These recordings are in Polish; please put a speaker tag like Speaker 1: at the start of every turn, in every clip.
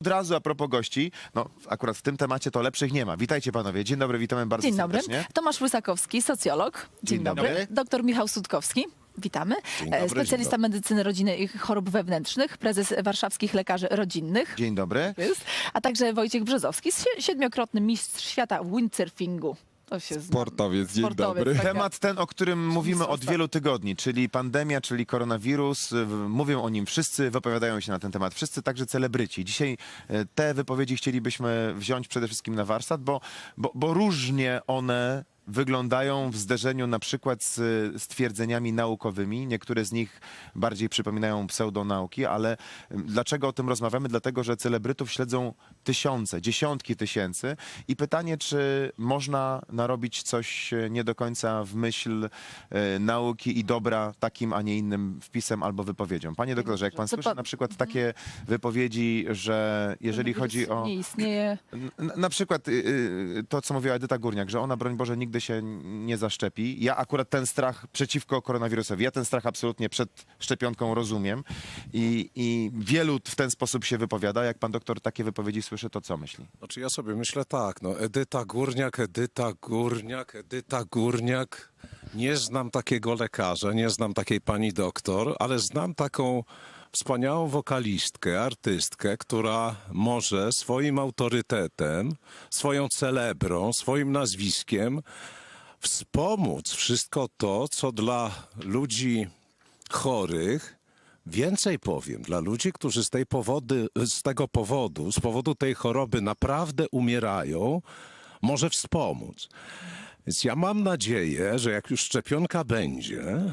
Speaker 1: Od razu a propos gości, no akurat w tym temacie to lepszych nie ma. Witajcie panowie, dzień dobry, witamy bardzo
Speaker 2: Dzień dobry.
Speaker 1: serdecznie.
Speaker 2: Tomasz Łysakowski, socjolog. Dzień dobry.
Speaker 1: dobry.
Speaker 2: Doktor Michał Sutkowski. Witamy. Specjalista medycyny rodziny i chorób wewnętrznych, prezes warszawskich lekarzy rodzinnych.
Speaker 1: Dzień dobry.
Speaker 2: Jest. A także Wojciech Brzozowski, siedmiokrotny mistrz świata windsurfingu. To się zna.
Speaker 3: Sportowiec, dzień dobry.
Speaker 2: taka-
Speaker 1: Temat ten, o którym mówimy od
Speaker 2: Zostaw.
Speaker 1: wielu tygodni, czyli pandemia, czyli koronawirus. Mówią o nim wszyscy, wypowiadają się na ten temat wszyscy, także celebryci. Dzisiaj te wypowiedzi chcielibyśmy wziąć przede wszystkim na warsztat, bo różnie one wyglądają w zderzeniu na przykład z twierdzeniami naukowymi. Niektóre z nich bardziej przypominają pseudonauki, ale dlaczego o tym rozmawiamy? Dlatego, że celebrytów śledzą tysiące, dziesiątki tysięcy i pytanie, czy można narobić coś nie do końca w myśl nauki i dobra takim, a nie innym wpisem albo wypowiedzią. Panie doktorze, jak pan
Speaker 2: To
Speaker 1: słyszy
Speaker 2: pan-
Speaker 1: na przykład takie wypowiedzi, że jeżeli chodzi o...
Speaker 2: Nie istnieje.
Speaker 1: Na przykład to, co mówiła Edyta Górniak, że ona, broń Boże, nigdy się nie zaszczepi. Ja akurat ten strach przeciwko koronawirusowi, ja ten strach absolutnie przed szczepionką rozumiem i wielu w ten sposób się wypowiada. Jak pan doktor takie wypowiedzi słyszy, to co myśli?
Speaker 4: Znaczy ja sobie myślę tak, no Edyta Górniak, Edyta Górniak, Edyta Górniak. Nie znam takiego lekarza, nie znam takiej pani doktor, ale znam taką wspaniałą wokalistkę, artystkę, która może swoim autorytetem, swoją celebrą, swoim nazwiskiem wspomóc wszystko to, co dla ludzi chorych, więcej powiem, dla ludzi, którzy z powodu tej choroby naprawdę umierają, może wspomóc. Więc ja mam nadzieję, że jak już szczepionka będzie,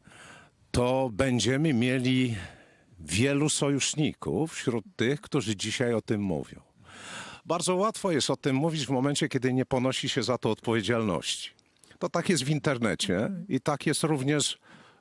Speaker 4: to będziemy mieli wielu sojuszników wśród tych, którzy dzisiaj o tym mówią. Bardzo łatwo jest o tym mówić w momencie, kiedy nie ponosi się za to odpowiedzialności. To tak jest w internecie i tak jest również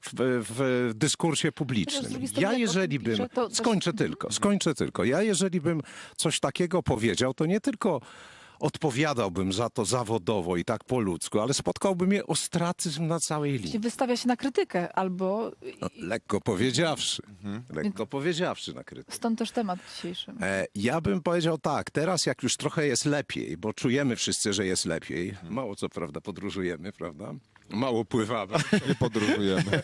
Speaker 4: w dyskursie
Speaker 2: Chociaż z
Speaker 4: publicznym.
Speaker 2: drugiej strony,
Speaker 4: Ja
Speaker 2: jak o
Speaker 4: jeżeli
Speaker 2: tym
Speaker 4: bym...
Speaker 2: pisze, to-
Speaker 4: Skończę tylko. Ja jeżeli bym coś takiego powiedział, to nie tylko odpowiadałbym za to zawodowo i tak po ludzku, ale spotkałby mnie ostracyzm na całej linii.
Speaker 2: Wystawia się na krytykę albo...
Speaker 4: No, lekko powiedziawszy. Lekko powiedziawszy na krytykę.
Speaker 2: Stąd też temat dzisiejszy.
Speaker 4: Ja bym powiedział tak, teraz jak już trochę jest lepiej, bo czujemy wszyscy, że jest lepiej. Mało co prawda podróżujemy, prawda? Mało pływamy,
Speaker 3: Nie podróżujemy.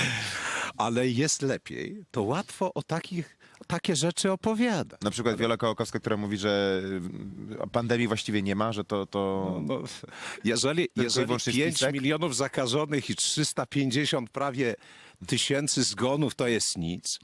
Speaker 4: ale jest lepiej, to łatwo o takie rzeczy opowiada.
Speaker 1: Na przykład Wiola Kołakowska, która mówi, że pandemii właściwie nie ma, że to...
Speaker 4: No, jeżeli
Speaker 1: wyłącznie
Speaker 4: 5
Speaker 1: spisek?
Speaker 4: milionów zakażonych i 350 prawie tysięcy zgonów to jest nic,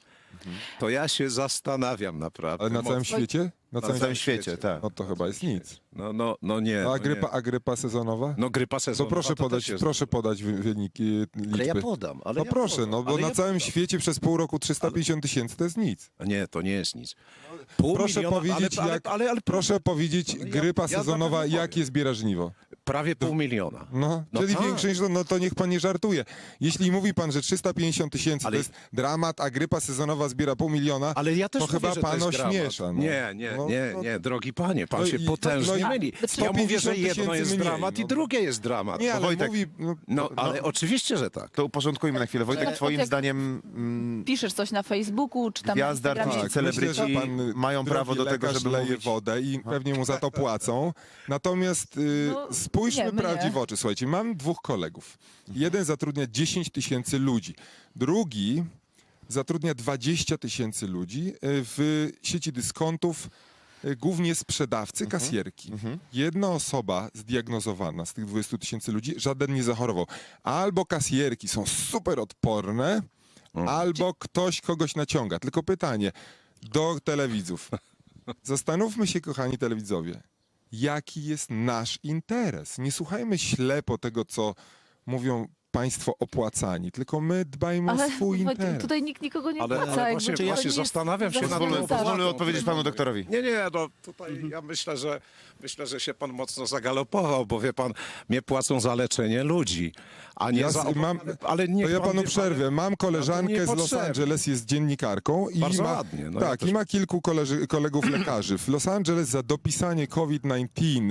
Speaker 4: to ja się zastanawiam naprawdę.
Speaker 3: Ale na całym
Speaker 4: mocno.
Speaker 3: świecie?
Speaker 1: Na całym świecie, tak.
Speaker 3: No to chyba jest nic.
Speaker 4: No nie.
Speaker 3: No,
Speaker 4: no nie.
Speaker 3: a grypa sezonowa?
Speaker 4: No grypa
Speaker 3: To
Speaker 4: sezonowa.
Speaker 3: proszę podać wyniki, liczby.
Speaker 4: Ale ja podam.
Speaker 3: No proszę, no bo na całym świecie przez pół roku 350 tysięcy to jest nic.
Speaker 4: Nie, to nie jest nic.
Speaker 3: Proszę powiedzieć, proszę powiedzieć, grypa
Speaker 4: ja
Speaker 3: sezonowa,
Speaker 4: na pewno
Speaker 3: jakie zbiera żniwo?
Speaker 4: Prawie 500 000.
Speaker 3: No,
Speaker 4: No
Speaker 3: czyli
Speaker 4: tak.
Speaker 3: większe niż to, no to niech pan nie żartuje. Jeśli mówi pan, że 350 tysięcy
Speaker 4: Ale-
Speaker 3: to jest dramat, a grypa sezonowa zbiera 500 000,
Speaker 4: Ale ja też
Speaker 3: to
Speaker 4: mówię,
Speaker 3: chyba
Speaker 4: że to
Speaker 3: pan
Speaker 4: jest dramat.
Speaker 3: ośmiesza. No.
Speaker 4: Nie, drogi panie, pan
Speaker 3: No
Speaker 4: się
Speaker 3: i-
Speaker 4: potężnie
Speaker 3: no i
Speaker 4: myli. Ja
Speaker 3: 150
Speaker 4: mówię, że jedno
Speaker 3: tysięcy
Speaker 4: jest
Speaker 3: mniej,
Speaker 4: dramat i
Speaker 3: no.
Speaker 4: drugie jest dramat.
Speaker 3: Nie, ale
Speaker 1: Wojtek,
Speaker 3: mówi...
Speaker 4: No, ale oczywiście, że tak.
Speaker 1: To uporządkujmy na chwilę. Wojtek,
Speaker 2: Tak,
Speaker 1: twoim
Speaker 2: jak-
Speaker 1: zdaniem
Speaker 2: Piszesz coś na Facebooku, czy tam
Speaker 1: gwiazdy,
Speaker 2: na Instagramie.
Speaker 1: artyści, celebryci
Speaker 3: myślę, że pan
Speaker 1: mają prawo do tego,
Speaker 3: lekarz
Speaker 1: żeby
Speaker 3: leje
Speaker 1: mówić...
Speaker 3: wodę i pewnie mu za to płacą. Natomiast
Speaker 2: No,
Speaker 3: spójrzmy
Speaker 2: nie, my
Speaker 3: prawdzie
Speaker 2: nie.
Speaker 3: w oczy. Słuchajcie, mam dwóch kolegów. Jeden zatrudnia 10 tysięcy ludzi. Drugi zatrudnia 20 tysięcy ludzi w sieci dyskontów, głównie sprzedawcy, kasjerki. Jedna osoba zdiagnozowana z tych 20 tysięcy ludzi, żaden nie zachorował. Albo kasjerki są super odporne, albo ktoś kogoś naciąga. Tylko pytanie do telewidzów. Zastanówmy się, kochani telewidzowie, jaki jest nasz interes. Nie słuchajmy ślepo tego, co mówią państwo opłacani, tylko my dbajmy o swój
Speaker 2: Wojtek,
Speaker 3: interes.
Speaker 2: tutaj nikt nikogo nie
Speaker 4: Ale
Speaker 2: płaca. jakby
Speaker 4: właśnie
Speaker 2: to
Speaker 4: ja
Speaker 2: nie
Speaker 4: się
Speaker 2: jest
Speaker 4: zastanawiam się nad
Speaker 2: zasługa
Speaker 4: tą
Speaker 2: za-
Speaker 1: Pozwolę odpowiedzieć panu doktorowi.
Speaker 4: Nie, no tutaj ja myślę, że się pan mocno zagalopował, bo wie pan, mnie płacą za leczenie ludzi, a nie
Speaker 3: Ja
Speaker 4: za...
Speaker 3: mam,
Speaker 4: ale niech
Speaker 3: to ja
Speaker 4: pan
Speaker 3: panu
Speaker 4: wie,
Speaker 3: przerwę. Mam koleżankę z Los
Speaker 4: niepotrzebne.
Speaker 3: Angeles, jest dziennikarką i
Speaker 4: Bardzo
Speaker 3: ma,
Speaker 4: ładnie, no
Speaker 3: tak,
Speaker 4: ja też-
Speaker 3: i ma kilku kolegów lekarzy. W Los Angeles za dopisanie COVID-19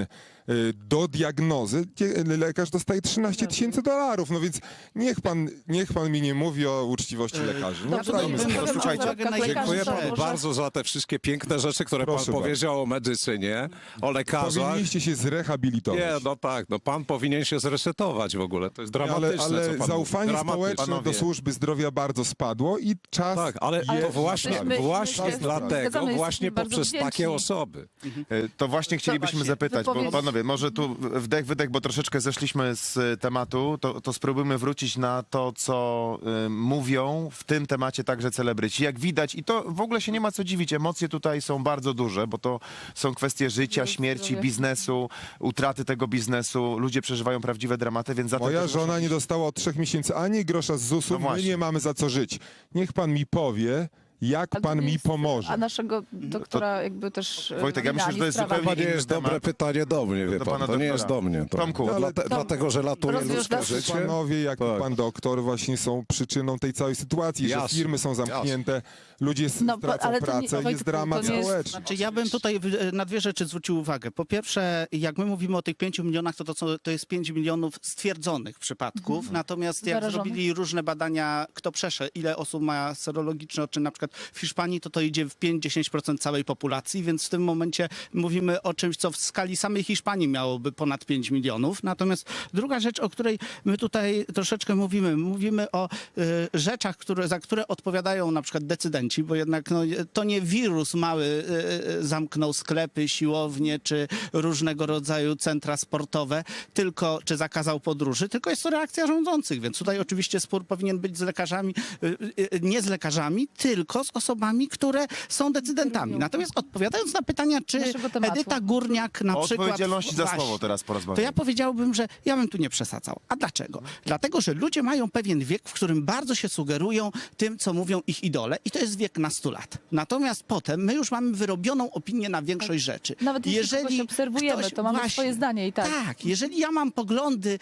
Speaker 3: do diagnozy lekarz dostaje $13,000. No więc niech pan mi nie mówi o uczciwości lekarzy. No,
Speaker 2: Dobrze,
Speaker 3: dajmy
Speaker 2: to
Speaker 3: spokój.
Speaker 2: powiem o
Speaker 1: Słuchajcie,
Speaker 2: zarobkach lekarzy,
Speaker 4: Dziękuję
Speaker 2: to
Speaker 4: panu
Speaker 2: może-
Speaker 4: bardzo za te wszystkie piękne rzeczy, które
Speaker 3: Proszę
Speaker 4: pan
Speaker 3: bardzo.
Speaker 4: powiedział o medycynie, o lekarzach.
Speaker 3: Powinniście się zrehabilitować.
Speaker 4: Nie, no tak, no pan powinien się zresetować w ogóle. To jest dramatyczne,
Speaker 3: ale
Speaker 4: co pan
Speaker 3: zaufanie
Speaker 4: mówi. Dramatyczne.
Speaker 3: społeczne
Speaker 1: Panowie.
Speaker 3: do służby zdrowia bardzo spadło i czas
Speaker 4: Tak, ale
Speaker 3: jest
Speaker 4: to właśnie,
Speaker 2: my się
Speaker 4: właśnie dlatego,
Speaker 2: zgadzamy,
Speaker 4: właśnie
Speaker 2: jesteśmy bardzo
Speaker 4: poprzez
Speaker 2: wdzięczni.
Speaker 4: takie osoby.
Speaker 1: To właśnie chcielibyśmy
Speaker 2: właśnie,
Speaker 1: zapytać, bo
Speaker 2: wypowiedź.
Speaker 1: panowie, może tu wdech, wydech, bo troszeczkę zeszliśmy z tematu, to spróbujmy wrócić na to, co mówią w tym temacie także celebryci. Jak widać, i to w ogóle się nie ma co dziwić, emocje tutaj są bardzo duże, bo to są kwestie życia, śmierci,
Speaker 2: zdrowie.
Speaker 1: biznesu, utraty tego biznesu. Ludzie przeżywają prawdziwe dramaty, więc za to
Speaker 3: Moja
Speaker 1: też
Speaker 3: żona
Speaker 1: muszą-
Speaker 3: nie dostała od 3 miesięcy ani grosza z ZUS-u,
Speaker 1: No
Speaker 3: my
Speaker 1: właśnie.
Speaker 3: nie mamy za co żyć. Niech pan mi powie, jak
Speaker 2: A
Speaker 3: pan
Speaker 2: to
Speaker 3: mi
Speaker 2: jest-
Speaker 3: pomoże.
Speaker 2: A naszego doktora jakby też...
Speaker 1: Wojtek, ja myślę, że to jest
Speaker 2: sprawę.
Speaker 1: zupełnie
Speaker 4: To nie
Speaker 1: inny
Speaker 4: jest
Speaker 1: temat.
Speaker 4: dobre pytanie do mnie, wie
Speaker 1: Do
Speaker 4: pan.
Speaker 1: pana
Speaker 4: To nie
Speaker 1: doktora.
Speaker 4: jest do mnie. To.
Speaker 1: Tomku,
Speaker 4: No,
Speaker 3: ale-
Speaker 4: dlatego, że latuje
Speaker 2: rozwiąż
Speaker 4: ludzkie
Speaker 2: nas-
Speaker 4: życie.
Speaker 3: Panowie, jak
Speaker 4: Tak.
Speaker 3: pan doktor, właśnie są przyczyną tej całej sytuacji,
Speaker 4: Jasne,
Speaker 3: że firmy są zamknięte, ludzie
Speaker 2: No,
Speaker 3: stracą
Speaker 2: ale to nie-
Speaker 3: pracę,
Speaker 2: Wojtku,
Speaker 3: jest dramat
Speaker 2: to nie jest-
Speaker 3: społeczny.
Speaker 5: Znaczy, ja bym tutaj na dwie rzeczy zwrócił uwagę. Po pierwsze, jak my mówimy o tych 5 milionach, to jest 5 milionów stwierdzonych przypadków. Natomiast jak
Speaker 2: Zarażonych.
Speaker 5: zrobili różne badania, kto przeszedł, ile osób ma serologiczny odczyn, na przykład w Hiszpanii, to idzie w 5-10% całej populacji, więc w tym momencie mówimy o czymś, co w skali samej Hiszpanii miałoby ponad 5 milionów. Natomiast druga rzecz, o której my tutaj troszeczkę mówimy o rzeczach, za które odpowiadają na przykład decydenci, bo jednak no, to nie wirus mały zamknął sklepy, siłownie czy różnego rodzaju centra sportowe, tylko czy zakazał podróży, tylko jest to reakcja rządzących, więc tutaj oczywiście spór powinien być z lekarzami, nie z lekarzami, tylko z osobami, które są decydentami. Natomiast odpowiadając na pytania, czy
Speaker 2: Naszego tematu.
Speaker 5: Edyta Górniak na
Speaker 1: O
Speaker 5: przykład...
Speaker 1: odpowiedzialności za
Speaker 5: Właśnie.
Speaker 1: słowo teraz
Speaker 5: To
Speaker 1: porozmawiamy.
Speaker 5: ja powiedziałbym, że ja bym tu nie przesadzał. A dlaczego? Dlatego, że ludzie mają pewien wiek, w którym bardzo się sugerują tym, co mówią ich idole i to jest wiek na 100 lat. Natomiast potem my już mamy wyrobioną opinię na większość rzeczy.
Speaker 2: Nawet jeśli kogoś obserwujemy, to mamy swoje zdanie i tak.
Speaker 5: Tak, jeżeli ja mam poglądy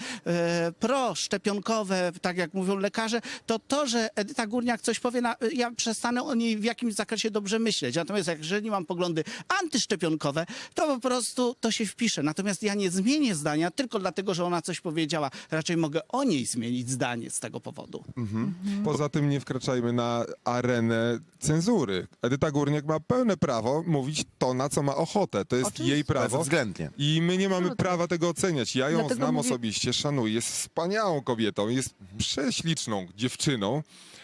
Speaker 5: proszczepionkowe, tak jak mówią lekarze, to, że Edyta Górniak coś powie, ja przestanę o niej w jakimś zakresie dobrze myśleć. Natomiast jeżeli mam poglądy antyszczepionkowe, to po prostu to się wpisze. Natomiast ja nie zmienię zdania tylko dlatego, że ona coś powiedziała. Raczej mogę o niej zmienić zdanie z tego powodu.
Speaker 3: Poza tym nie wkraczajmy na arenę cenzury. Edyta Górniak ma pełne prawo mówić to, na co ma ochotę. To jest
Speaker 2: Oczywiście.
Speaker 3: jej prawo.
Speaker 1: Bezwzględnie.
Speaker 3: I my nie mamy
Speaker 2: Absolutnie.
Speaker 3: prawa tego oceniać. Ja ją
Speaker 2: Dlatego
Speaker 3: znam
Speaker 2: mówię-
Speaker 3: osobiście, szanuję. Jest wspaniałą kobietą, jest prześliczną dziewczyną.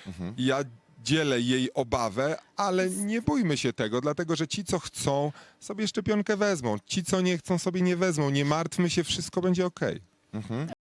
Speaker 3: I ja dzielę jej obawę, ale nie bójmy się tego, dlatego że ci, co chcą, sobie szczepionkę wezmą. Ci, co nie chcą, sobie nie wezmą. Nie martwmy się, wszystko będzie okej.